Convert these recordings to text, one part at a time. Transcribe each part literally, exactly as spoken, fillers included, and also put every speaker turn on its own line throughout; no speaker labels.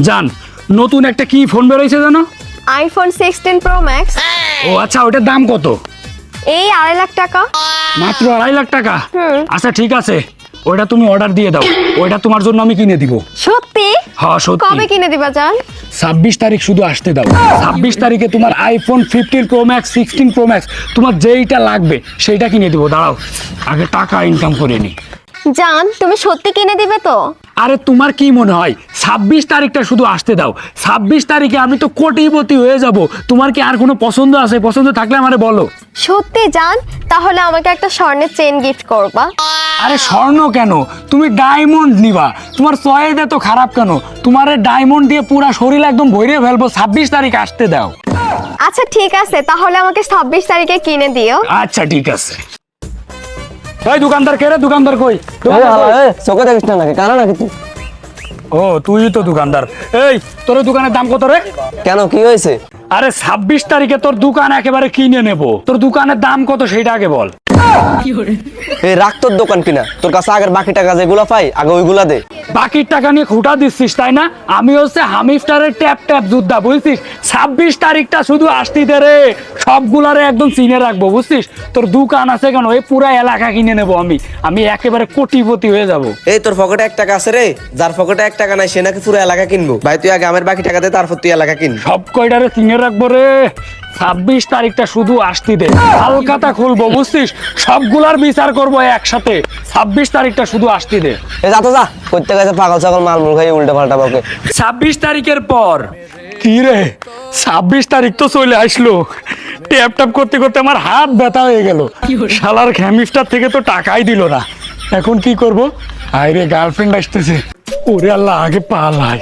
জান নতুন একটা কি ফোন বের হইছে জানো?
IPhone sixteen Pro Max.
ও আচ্ছা, ওটার দাম কত?
এই আড়াই লাখ টাকা।
মাত্র আড়াই লাখ টাকা?
হুম।
আচ্ছা ঠিক আছে, ওইটা তুমি অর্ডার দিয়ে দাও, ওইটা তোমার জন্য আমি কিনে দিব।
সত্যি?
হ্যাঁ সত্যি।
কবে কিনে দিবা জান?
ছাব্বিশ তারিখ শুধু আসতে দাও। ছাব্বিশ তারিখে তোমার iPhone fifteen Pro Max, sixteen Pro Max, তোমার যেইটা লাগবে সেইটা কিনে দিব। দাঁড়াও, আগে টাকা ইনকাম করে নি।
জান তুমি সত্যি কিনে দিবে তো?
আরে তোমার কি মনে হয় ছাব্বিশ তারিখটা শুধু আসতে দাও, ছাব্বিশ তারিখে আমি তো কোটিপতি হয়ে যাব। তোমার কি আর কোনো পছন্দ আছে? পছন্দ থাকলে আমারে বলো।
সত্যি জান? তাহলে আমাকে একটা স্বর্ণের চেন গিফট করবা।
আরে স্বর্ণ কেন, তুমি ডায়মন্ড নিবা। তোমার চয়েস এত খারাপ কেন? তোমার ডায়মন্ড দিয়ে পুরো শরীর একদম ভরে ফেলবো। ছাব্বিশ তারিখ আসতে দাও।
আচ্ছা ঠিক আছে, তাহলে আমাকে ছাব্বিশ তারিখে কিনে দিও।
আচ্ছা ঠিক আছে। এই দোকানদার কে রে? দোকানদার কই?
চোখে দেখিস না নাকি, কানা নাকি তুই?
ও তুই তো দোকানদার। এই তোর দোকানের দাম কত রে?
কেন, কি হয়েছে?
আরে ছাব্বিশ তারিখে তোর দোকান একেবারে কিনে নেব। তোর দোকানের দাম কত সেইটা আগে বল।
এই রাখ তোর দোকান কিনা, তোর কাছে আগের বাকি টাকা যেগুলা পাই আগে ওইগুলা দে।
বাকির টাকা নিয়ে খুঁটা দিচ্ছিস তাই না? আমি হচ্ছে হামিফটারের ট্যাপ ট্যাপ যোদ্ধা, বুঝছিস? ছাব্বিশ তারিখটা শুধু আসতি দে রে, সবগুলারে একদম চিনে রাখবো, বুঝছিস? তোর দোকান আছে কেন, এই পুরা এলাকা কিনে নেবো আমি। আমি একেবারে কোটিপতি হয়ে যাব।
এই তোর পকেটে এক টাকা আছে রে, যার পকেটে এক টাকা নাই সে নাকি পুরো এলাকা কিনবো। ভাই তুই আগে আমার বাকি টাকা দে, তারপর তুই এলাকা কিন।
সব কয়টারে চিনে রাখবো রে। ছাব্বিশ তারিখটা শুধু আসতি দে, হালকাতা খুলবো, বুঝছিস? সবগুলার বিচার করবো একসাথে। ছাব্বিশ তারিখটা শুধু আসতি দে।
এ যা তো যা, করতে গেছে পাগল ছাগল মালমুল খাই উল্টা পাল্টা বকে।
ছাব্বিশ তারিখের পর কি রে? ছাব্বিশ তারিখ তো চলে আসলো। ট্যাপ ট্যাপ করতে করতে আমার হাত ব্যথা হয়ে গেল। শালার হ্যামিস্টার থেকে তো টাকাই দিল না। এখন কি করব? আরে গার্লফ্রেন্ড আসতেছে। ওরে আল্লাহ, আগে পালাই।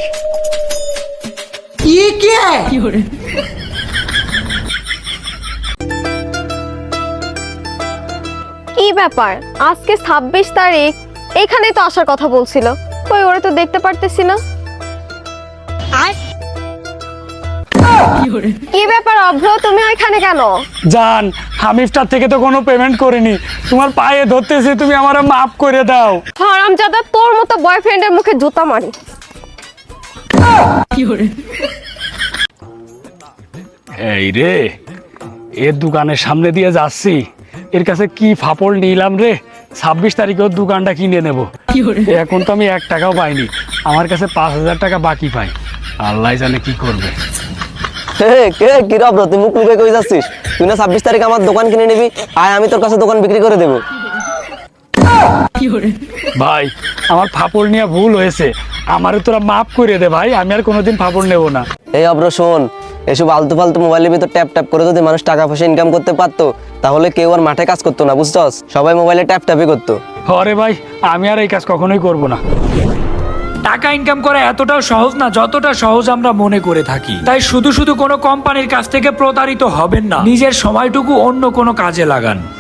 ये क्या है?
কি ব্যাপার, আজকে ছাব্বিশ তারিখ, এখানে তো আসার কথা বলছিল। কই ওরে তো দেখতে পারতেছি না। কি ব্যাপার অভ্র, তুমি ওইখানে কেন?
জান, হামিফটার থেকে তো কোনো পেমেন্ট করিনি। তোমার পায়ে ধরতেছে, তুমি আমার মাফ করে দাও।
হারামজাদা, তোর মতো বয়ফ্রেন্ডের মুখে জুতা মারি।
এই রে, এর দোকানের সামনে দিয়ে যাচ্ছি, এর কাছে কি ফাপড় নিলাম রে। ছাব্বিশ তারিখে ওর দোকানটা কিনে নেব। এখন তো আমি এক টাকাও পাইনি, আমার কাছে পাঁচ হাজার টাকা বাকি পাই। আল্লাহ জানে কি করবে।
হে কে কি রে ব্রো, তুই মুখ লুকে কই যাচ্ছিস? তুই না ছাব্বিশ তারিখ আমার দোকান কিনে নিবি, আয় আমি তোর কাছে দোকান বিক্রি করে দেবো।
ভাই আমার ফাপড় নিয়ে ভুল হয়েছে, আমারে তোরা মাফ করে দে ভাই। আমি আর কোনোদিন ফাপড় নেব না।
এই অব্র শোন, এসব আলতু ফালতু মোবাইলের ভিতর ট্যাপ ট্যাপ করে যদি মানুষ টাকা পয়সা ইনকাম করতে পারতো, তাহলে কেউ আর মাঠে কাজ করতো না, বুঝছস? সবাই মোবাইলে ট্যাপ ট্যাপই করতো।
আরে ভাই, আমি আর এই কাজ কখনোই করব না। টাকা ইনকাম করা এতটাও সহজ না যতটা সহজ আমরা মনে করে থাকি। তাই শুধু শুধু কোনো কোম্পানির কাছ থেকে প্রতারিত হবেন না, নিজের সময়টুকু অন্য কোনো কাজে লাগান।